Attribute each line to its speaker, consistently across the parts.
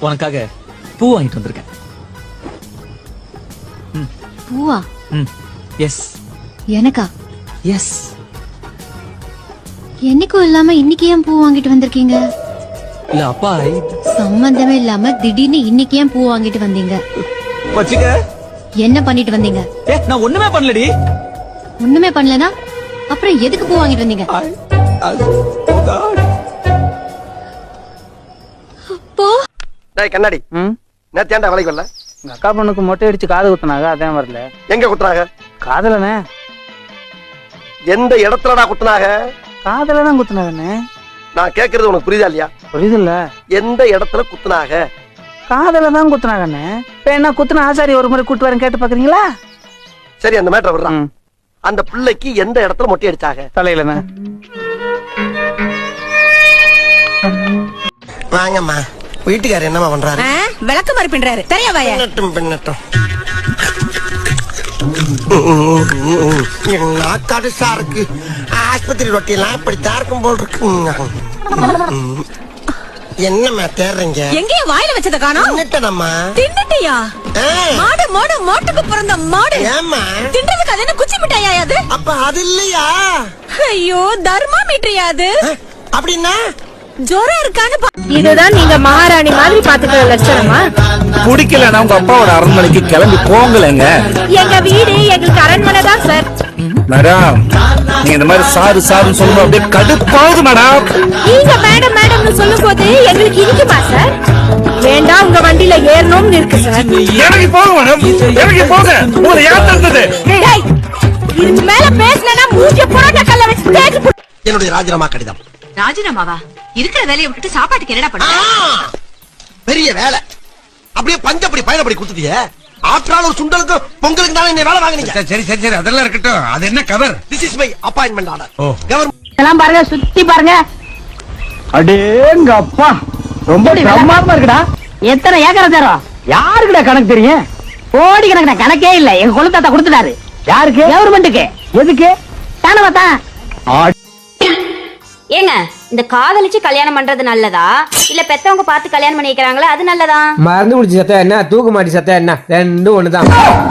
Speaker 1: உனக்காக பூ வாங்கிட்டு வந்திருக்கேன்.
Speaker 2: பூவா?
Speaker 1: எஸ்.
Speaker 2: எனக்கா?
Speaker 1: எஸ்.
Speaker 2: என்னைக்கும் இல்லாம இன்னைக்கு ஏன் பூ வாங்கிட்டு வந்திருக்கீங்க?
Speaker 1: இல்ல அப்பா,
Speaker 2: சம்பந்தமே இல்லாம திடீர்னு இன்னைக்கு ஏன் பூ வாங்கிட்டு வந்தீங்க?
Speaker 1: வச்சுக்க.
Speaker 2: என்ன பண்ணிட்டு வந்தீங்க?
Speaker 1: நான் ஒண்ணுமே பண்ணலடி.
Speaker 2: ஒண்ணுமே பண்ணலனா அப்புறம் எதுக்கு பூ வாங்கிட்டு வந்தீங்க?
Speaker 3: கண்ணாடி நேத்து ஏன்டா வேலைக்கு வரல?
Speaker 4: எங்க அக்கா பொண்ணுக்கு மொட்டை அடிச்சு காது குத்துனாங்க, அதான் வரல.
Speaker 3: எங்க குத்துனாங்க?
Speaker 4: காதலனே.
Speaker 3: எந்த இடத்துலடா குத்துனாங்க?
Speaker 4: காதலதான் குத்துனாங்கண்ணே.
Speaker 3: நான் கேக்குறது உனக்கு புரியுதா இல்லையா?
Speaker 4: புரியுது இல்ல.
Speaker 3: எந்த இடத்துல குத்துனாங்க?
Speaker 4: காதலதான் குத்துனாங்கண்ணே. இப்ப என்ன குத்துன ஆசாரி ஒரு முறை கூட்டு வரேன், கேட்டு பாக்குறீங்களா?
Speaker 3: சரி, அந்த மேட்டர் விடுறான். அந்த பிள்ளைக்கு எந்த இடத்துல மொட்டை அடிச்சாங்க?
Speaker 4: தலையிலண்ணே.
Speaker 3: வாங்கம்மா. வீட்டுக்காரர் என்னமா பண்றாரு?
Speaker 5: விளக்கு மாதிரி பின்றாரு. தெரியாவாயா?
Speaker 3: பின்னட்டும். நாக்காடு சாருக்கு ஆஸ்பத்திரி ரொட்டி எல்லாம் இப்படித்தான் இருக்கும் போல் இருக்கு. என்னம்மா தேடுறீங்க?
Speaker 5: எங்கேயும் வாயில வச்சத காணோம்.
Speaker 3: தின்னுட்டேனம்மா.
Speaker 5: தின்னுட்டியா? மாடு மாடு மோட்டுக்கு பிறந்த மாடு.
Speaker 3: ஏம்மா
Speaker 5: தின்றதுக்கு அது என்ன குச்சி மிட்டாயா அது?
Speaker 3: அப்ப அது இல்லையா?
Speaker 5: ஐயோ, தர்மாமீட்டரியா அது?
Speaker 3: அப்படின்னா
Speaker 5: ஜோரம் இருக்கான்னு
Speaker 6: இதுதான் நீங்க மகாராணி மாதிரி பாத்துக்கிற லட்சணமா?
Speaker 7: குடிக்கலன்னா உங்க அப்பாவோட அரண்மனைக்கு கிளம்பி போங்களேங்க.
Speaker 6: எங்க வீடு எங்களுக்கு அரண்மனை தான் சார்.
Speaker 7: மேடம், நீங்க இந்த மாதிரி சாருன்னு சொல்லும்போது அப்படியே கடுப்பாகுது மேடம்.
Speaker 6: நீங்க மேடம் மேடம்னு சொல்லும் போது எங்களுக்கு இருக்குமா சார்? வேண்டாம், உங்க வண்டியில ஏறணும்னு இருக்கு சார்.
Speaker 7: இறங்கி போங்க மேடம், இறங்கி போங்க. உங்களை யார் தடுத்தது?
Speaker 6: இதுக்கு மேல பேசலன்னா மூஞ்சி புரோட்டா கல்ல வச்சு தேய்ச்சு.
Speaker 3: என்னுடைய ராஜினாமா கடிதம்.
Speaker 5: ராஜினாமாவா? இருக்கிற வேலையை விட்டுட்டு சாப்பாட்டுக்கு என்னடா பண்ண?
Speaker 3: பெரிய வேலை. அப்படியே பஞ்சப்படி பயணப்படி கொடுத்துட்டியே. ஆற்றால் ஒரு சுண்டலுக்கு பொங்கலுக்கு தானே இந்த வேலை வாங்குனீங்க.
Speaker 7: சரி சரி சரி, அதெல்லாம் இருக்கட்டும். அது என்ன cover?
Speaker 3: This is my appointment order. Government
Speaker 4: எல்லாம் பாருங்க, சுத்தி பாருங்க. அடேங்க அப்பா, ரொம்ப பிரமாதமா இருக்குடா. எத்தனை ஏக்கர் தரோம்? யாருக்குடா கணக்கு தெரியும்? கோடி கணக்குடா, கணக்கே இல்ல. எங்க குலத்தாத்தா கொடுத்துட்டாரு. யாருக்கு? கவர்மெண்ட்டுக்கு. எதுக்கு? தானவாத்தா.
Speaker 8: ஏங்க, இந்த காதலிச்சு கல்யாணம் பண்றது நல்லதா இல்ல பெத்தவங்க பார்த்து கல்யாணம் பண்ணி வைக்கிறாங்களா அது நல்லதா?
Speaker 9: மருந்து குடிச்சு சத்தா என்ன, தூக்கு மாட்டி சத்தா என்ன, ரெண்டும் ஒண்ணுதான்.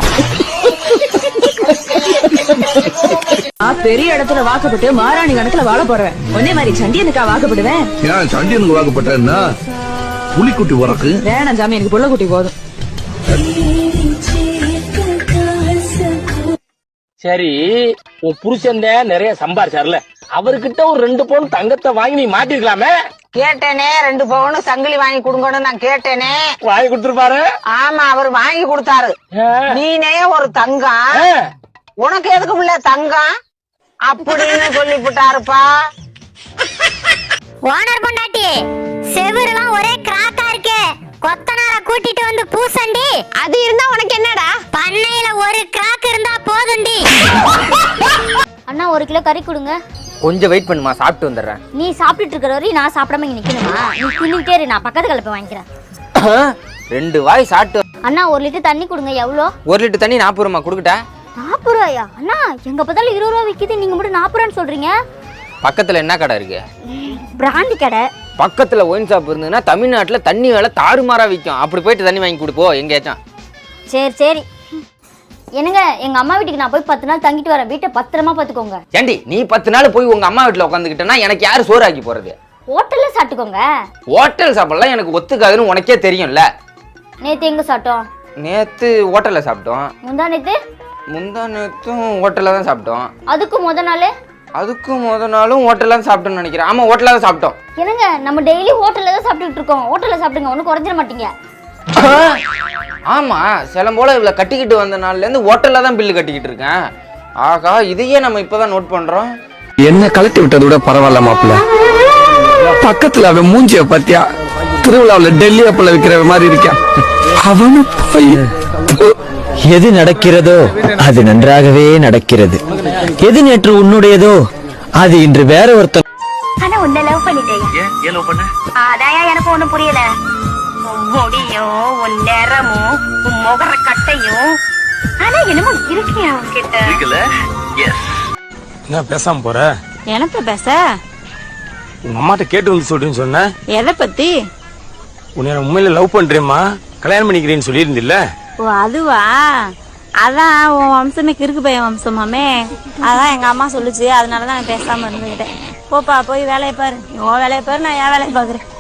Speaker 5: பெரிய இடத்துல வாக்கப்பட்டு மாராணி கணக்குல வாழ போறேன். ஒன்னே மாதிரி சண்டியனுக்கா வாக்கப்படுவேன்.
Speaker 7: ஏன் சண்டியனுக்கு வாக்கப்பட்டேன்னா புலிக்குட்டி உறக்கு
Speaker 5: வேணாம் சாமி, எனக்கு புள்ள குட்டி போதும்.
Speaker 10: சரி, உன் புருஷன் நிறைய சம்பாரிச்சார்ல, அவர்கிட்ட ஒரு 2 பவுன் தங்கத்தை வாங்கி நீ மாட்டிருக்கலாமே.
Speaker 5: கேட்டேனே, 2 பவுன் சங்கிலி வாங்கி கொடுங்கன்னு நான் கேட்டேனே.
Speaker 10: வாங்கி கொடுத்துருப்பாரு.
Speaker 5: ஆமா, அவர் வாங்கி கொடுத்தாரு. நீனே ஒரு தங்கம், உனக்கு எதுக்கு பிள்ளை தங்கம் அப்படின்னு சொல்லிவிட்டாருப்பா.
Speaker 8: ஓனர் பொண்டாட்டி, செவுரெல்லாம் ஒரே கிராக்கா இருக்கு. கொத்தனார கூட்டிட்டு வந்து பூசண்டி.
Speaker 5: அது இருந்தா உனக்கு என்னடா?
Speaker 8: பண்ணையில ஒரு கிராக் இருந்தா போதுண்டி. அண்ணா, 1 கிலோ கறி கொடுங்க.
Speaker 9: கொஞ்சம் வெயிட் பண்ணுமா, சாப்பிட்டு வந்துடுறேன்.
Speaker 8: நீ சாப்பிட்டுட்டு இருக்கிற வரையும் நான் சாப்பிடாம இங்க நிக்கணுமா? நீ தின்னுட்டே இரு, நான் பக்கத்து கலப்பை வாங்கிக்கிறேன்.
Speaker 9: 2 வாய் சாப்பிட்டு.
Speaker 8: அண்ணா, 1 லிட்டர் தண்ணி கொடுங்க. எவ்வளோ?
Speaker 9: 1 லிட்டர் தண்ணி 40 ரூபா கொடுக்கட்டா?
Speaker 8: 40 ரூபாயா? அண்ணா, எங்க பார்த்தாலும் 20 ரூபா விக்குது, நீங்க மட்டும் 40 ரூபான்னு சொல்றீங்க.
Speaker 9: பக்கத்துல என்ன கடை இருக்கு?
Speaker 8: பிராந்தி கடை.
Speaker 9: பக்கத்துல ஒயின் ஷாப் இருந்ததுன்னா தமிழ்நாட்டுல தண்ணி வேலை தாறுமாறா விற்கும். அப்படி போயிட்டு தண்ணி வாங்கி கொடுப்போ எங்கேயாச்சும்.
Speaker 8: சரி சரி. என்னங்க, எங்க அம்மா வீட்டுக்கு நான் போய் 10 நாள் தங்கிட்டு வரேன். வீட்டை பத்திரமா பாத்துக்கோங்க.
Speaker 9: ஏண்டி, நீ 10 நாள் போய் உங்க அம்மா வீட்டுல உட்காந்துக்கிட்டனா எனக்கு யாரு சோறு ஆக்கி போறது?
Speaker 8: ஹோட்டல்ல சாப்பிட்டுக்கோங்க.
Speaker 9: ஹோட்டல் சாப்பிடலாம் எனக்கு ஒத்துக்காதுன்னு உனக்கே தெரியும்ல.
Speaker 8: நேத்து எங்க சாப்பிட்டோம்?
Speaker 9: நேத்து ஹோட்டல்ல சாப்பிட்டோம்.
Speaker 8: முந்தா
Speaker 9: நேத்தும் ஹோட்டல்ல தான் சாப்பிட்டோம்.
Speaker 8: அதுக்கும்
Speaker 9: முத நாளும் ஹோட்டல்ல தான் சாப்பிட்டோம்னு நினைக்கிறேன். ஆமா, ஹோட்டல்ல தான் சாப்பிட்டோம்.
Speaker 8: என்னங்க, நம்ம டெய்லி ஹோட்டல்ல தான் சாப்பிட்டுட்டு இருக்கோம். ஹோட்டல்ல சாப்பிடுங்க, ஒன்னும் குறைஞ்சிட மாட்டீங்க.
Speaker 9: ஆமா, சிலம் போல இவ்வளவு கட்டிக்கிட்டு வந்த நாள்ல இருந்து ஹோட்டல்ல தான் பில்லு கட்டிக்கிட்டு இருக்கேன். ஆகா, இதையே நம்ம இப்பதான் நோட் பண்றோம்.
Speaker 7: என்ன கலட்டி விட்டது விட பரவாயில்ல மாப்பிள்ள. பக்கத்துல அவன் மூஞ்சிய பாத்தியா? திருவிழாவில் டெல்லி அப்பள விக்கிற மாதிரி இருக்கான். அவனு போய்
Speaker 11: எது நடக்கிறதோ அது நன்றாகவே நடக்கிறது. எது நேற்று உன்னுடையதோ அது இன்று வேற ஒருத்தர்.
Speaker 8: ஆனா உன்னை லவ் பண்ணிட்டேன். ஏன் லவ் பண்ண? அதான் எனக்கு ஒண்ணும் புரியல. முடியும், உன் நிறமும், உன் முகர கட்டையும். ஆனா என்னமோ இருக்கியா உன்கிட்ட?
Speaker 10: இருக்குல்ல? எஸ்.
Speaker 7: என்ன பேசாம போற?
Speaker 5: எனக்கு பேச
Speaker 7: உங்க அம்மாட்ட கேட்டு வந்து சொல்றேன்னு சொன்ன.
Speaker 5: எதை பத்தி?
Speaker 10: உன்னை உண்மையில லவ் பண்றேம்மா, கல்யாணம் பண்ணிக்கிறேன்னு சொல்லியிருந்தில்ல?
Speaker 6: ஓ அதுவா? அதான் உன் வம்சமே கிறுக்கு பையன் வம்சமாமே, அதான் எங்க அம்மா சொல்லுச்சு, அதனாலதான் நான் பேசாம இருந்துகிட்டேன். போப்பா போய் வேலையை பாரு, உன் வேலையை பாரு, நான் என் வேலையை பாக்குறேன்.